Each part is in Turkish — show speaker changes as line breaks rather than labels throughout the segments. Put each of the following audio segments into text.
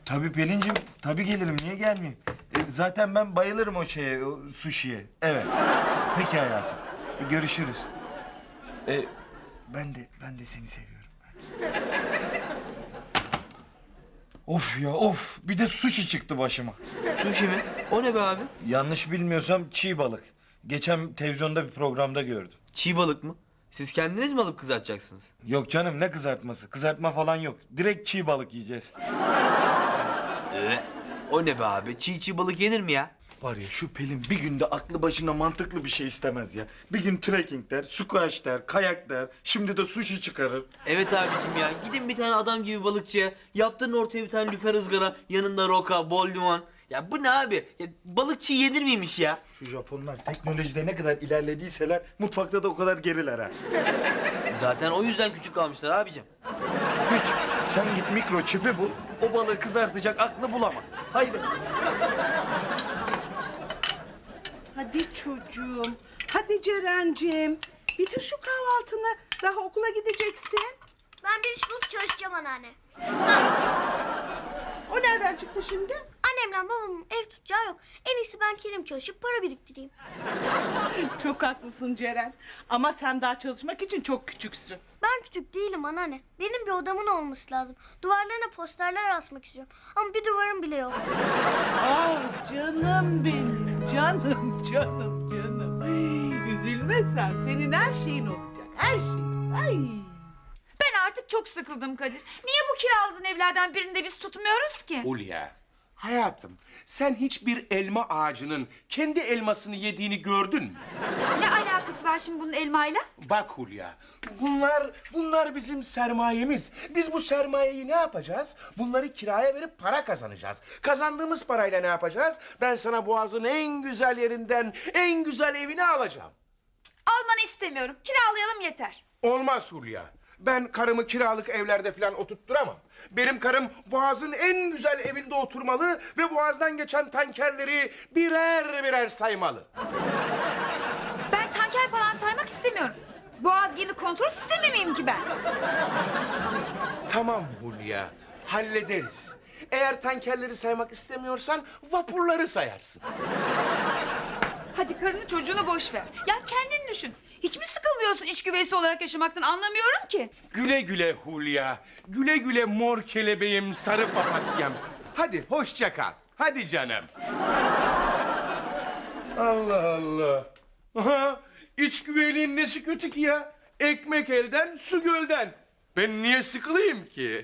Tabii Pelin'cim, tabii gelirim. Niye gelmeyeyim? Zaten ben bayılırım o şeye, o suşiye. Evet. Peki hayatım. Görüşürüz. Ben de seni seviyorum. Of ya of. Bir de sushi çıktı başıma.
Sushi mi? O ne be abi?
Yanlış bilmiyorsam çiğ balık. Geçen televizyonda bir programda gördüm.
Çiğ balık mı? Siz kendiniz mi alıp kızartacaksınız?
Yok canım, ne kızartması? Kızartma falan yok. Direkt çiğ balık yiyeceğiz.
O ne be abi? Çiğ balık yenir mi ya?
Var ya, şu Pelin bir günde aklı başına mantıklı bir şey istemez ya. Bir gün trekking der, squash der, kayak der. Şimdi de sushi çıkarır.
Evet abicim ya. Gidin bir tane adam gibi balıkçıya. Yaptırın ortaya bir tane lüfer ızgara. Yanında roka, bol limon. Ya bu ne abi? Ya, balıkçı yenir miymiş ya?
Şu Japonlar teknolojide ne kadar ilerlediyseler mutfakta da o kadar geriler ha.
Zaten o yüzden küçük kalmışlar abicim.
Hiç. Sen git mikroçipi bul, o balığı kızartacak aklı bulama. Hayır.
Hadi çocuğum. Hadi Ceren'cim. Bitir şu kahvaltını. Daha okula gideceksin.
Ben bir iş bulup çalışacağım anneanne.
O nereden çıktı şimdi?
Annemle babamın ev tutacağı yok. En iyisi ben kendim çalışıp para biriktireyim.
Çok haklısın Ceren. Ama sen daha çalışmak için çok küçüksün.
Ben küçük değilim anneanne. Benim bir odamın olması lazım. Duvarlarına posterler asmak istiyorum. Ama bir duvarım bile yok.
Ah canım benim. Canım, canım, canım. Üzülme sen. Senin her şeyin olacak. Her şeyin. Ay.
Ben artık çok sıkıldım Kadir. Niye bu kiraladığın evlerden birinde biz tutmuyoruz ki?
Hulya, hayatım, sen hiçbir elma ağacının kendi elmasını yediğini gördün mü?
Ne alakası var şimdi bunun elmayla?
Bak Hulya, bunlar bizim sermayemiz. Biz bu sermayeyi ne yapacağız? Bunları kiraya verip para kazanacağız. Kazandığımız parayla ne yapacağız? Ben sana Boğaz'ın en güzel yerinden en güzel evini alacağım.
Almanı istemiyorum. Kiralayalım yeter.
Olmaz Hulya. Ben karımı kiralık evlerde falan oturtturamam. Benim karım Boğaz'ın en güzel evinde oturmalı ve Boğaz'dan geçen tankerleri birer birer saymalı.
Ben tanker falan saymak istemiyorum. Boğaz gemi kontrol sistemi miyim ki ben?
Tamam Hulya, hallederiz. Eğer tankerleri saymak istemiyorsan vapurları sayarsın.
Hadi karını çocuğunu boş ver. Ya kendin düşün. Hiç mi sıkılmıyorsun iç güveysi olarak yaşamaktan, anlamıyorum ki.
Güle güle Hulya, güle güle mor kelebeğim, sarı papatyam. Hadi hoşça kal, hadi canım. Allah Allah. Aha, iç güveyliğin nesi kötü ki ya? Ekmek elden, su gölden. Ben niye sıkılayım ki?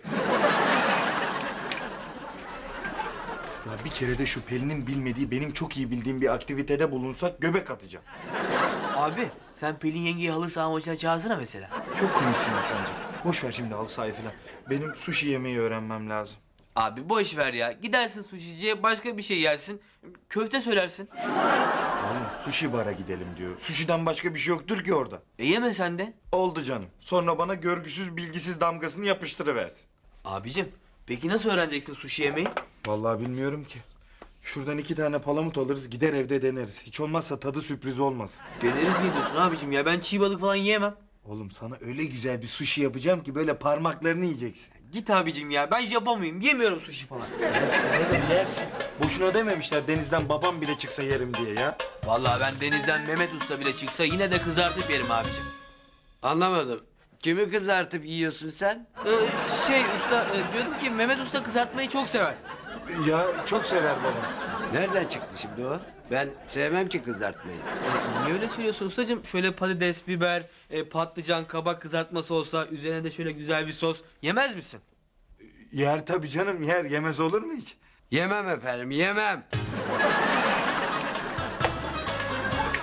Ya bir kere de şu Pelin'in bilmediği, benim çok iyi bildiğim bir aktivitede bulunsak göbek atacağım.
Abi sen Pelin yengeyi halı saha maçına çağırsana mesela.
Çok komiksin Hasan'cığım. Boş ver şimdi halı sahayı falan. Benim sushi yemeyi öğrenmem lazım.
Abi boş ver ya. Gidersin suşiciye başka bir şey yersin. Köfte söylersin.
Oğlum sushi bara gidelim diyor. Sushi'den başka bir şey yoktur ki orada.
Yeme sen de.
Oldu canım. Sonra bana görgüsüz bilgisiz damgasını yapıştırıversin.
Abicim peki nasıl öğreneceksin sushi yemeyi?
Vallahi bilmiyorum ki. Şuradan 2 tane palamut alırız, gider evde deneriz. Hiç olmazsa tadı sürpriz olmaz.
Deneriz mi diyorsun abicim ya? Ben çiğ balık falan yiyemem.
Oğlum sana öyle güzel bir sushi yapacağım ki böyle parmaklarını yiyeceksin.
Git abicim ya. Ben yapamayayım. Yemiyorum sushi falan.
Yersin oğlum yersin. Boşuna dememişler denizden babam bile çıksa yerim diye ya.
Vallahi ben denizden Mehmet Usta bile çıksa yine de kızartıp yerim abicim.
Anlamadım. Kimi kızartıp yiyorsun sen?
Usta diyordum ki Mehmet Usta kızartmayı çok sever.
Ya çok sever babam.
Nereden çıktı şimdi o? Ben sevmem ki kızartmayı.
Niye öyle söylüyorsun ustacığım? Şöyle patates, biber, patlıcan, kabak kızartması olsa üzerine de şöyle güzel bir sos yemez misin?
Yer tabii canım yer. Yemez olur mu hiç?
Yemem efendim, yemem.